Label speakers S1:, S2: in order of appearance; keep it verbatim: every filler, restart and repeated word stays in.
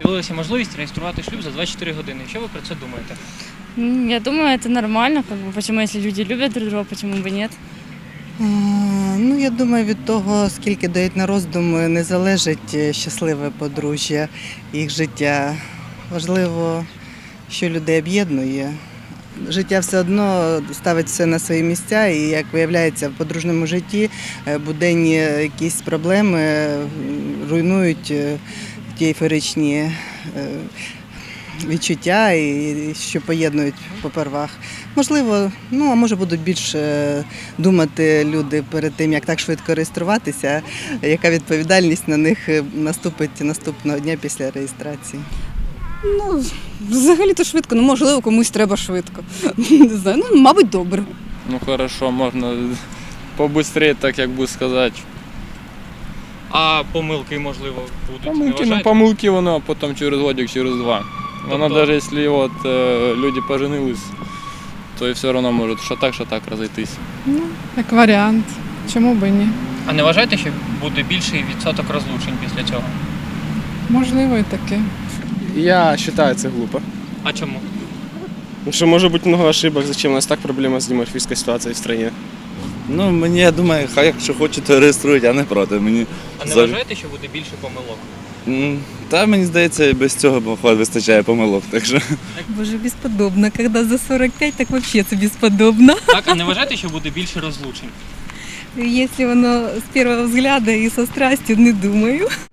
S1: З'явилася можливість реєструвати шлюб за двадцять чотири години. Що ви про це думаєте?
S2: М, Я думаю, это нормально. Как бы, почему, если люди любят друг друга, почему бы нет?
S3: А, Ну, я думаю, від того, скільки дають на роздум, не залежить е, щасливе подружжя, їх життя. Важливо, що людей об'єднує. Життя все одно ставить все на свої місця, і, як виявляється, в подружньому житті е, буденні якісь проблеми е, руйнують е, ті ейфоричні е, відчуття, і що поєднують попервах. Можливо, ну а може будуть більше думати люди перед тим, як так швидко реєструватися, яка відповідальність на них наступить наступного дня після реєстрації.
S4: Ну, взагалі-то швидко, ну можливо, комусь треба швидко. Не знаю, ну, мабуть, добре.
S5: Ну хорошо, можна побыстрее, так як би сказати.
S1: А помилки, можливо, будуть? Не
S5: Помилки, ну
S1: вважаєте?
S5: помилки воно, а потім через годик, через два. Воно
S1: Тобто-
S5: навіть якщо от, е, люди поженились, то і все одно може що так, що так розійтись.
S6: Як варіант. Чому б і ні?
S1: А не вважаєте, що буде більший відсоток розлучень після цього?
S6: Можливо, і таке.
S7: Я считаю, это глупо.
S1: А чому?
S7: Потому что может быть много ошибок, зачем у нас так проблема с демографической ситуацией в стране.
S8: Ну, мені, я думаю, хай якщо хочуть, то реєструють, я не проти. Мені,
S1: А не
S8: за-
S1: вважаєте, що буде більше помилок?
S8: М, Та мені здається, і без цього походу вистачає помилок. Так що
S9: Боже, бесподобно. Когда за сорок пять, так вообще это бесподобно.
S1: Так, а не вважаєте, що буде більше розлучень?
S9: Если оно с первого взгляда и со страстью, не думаю.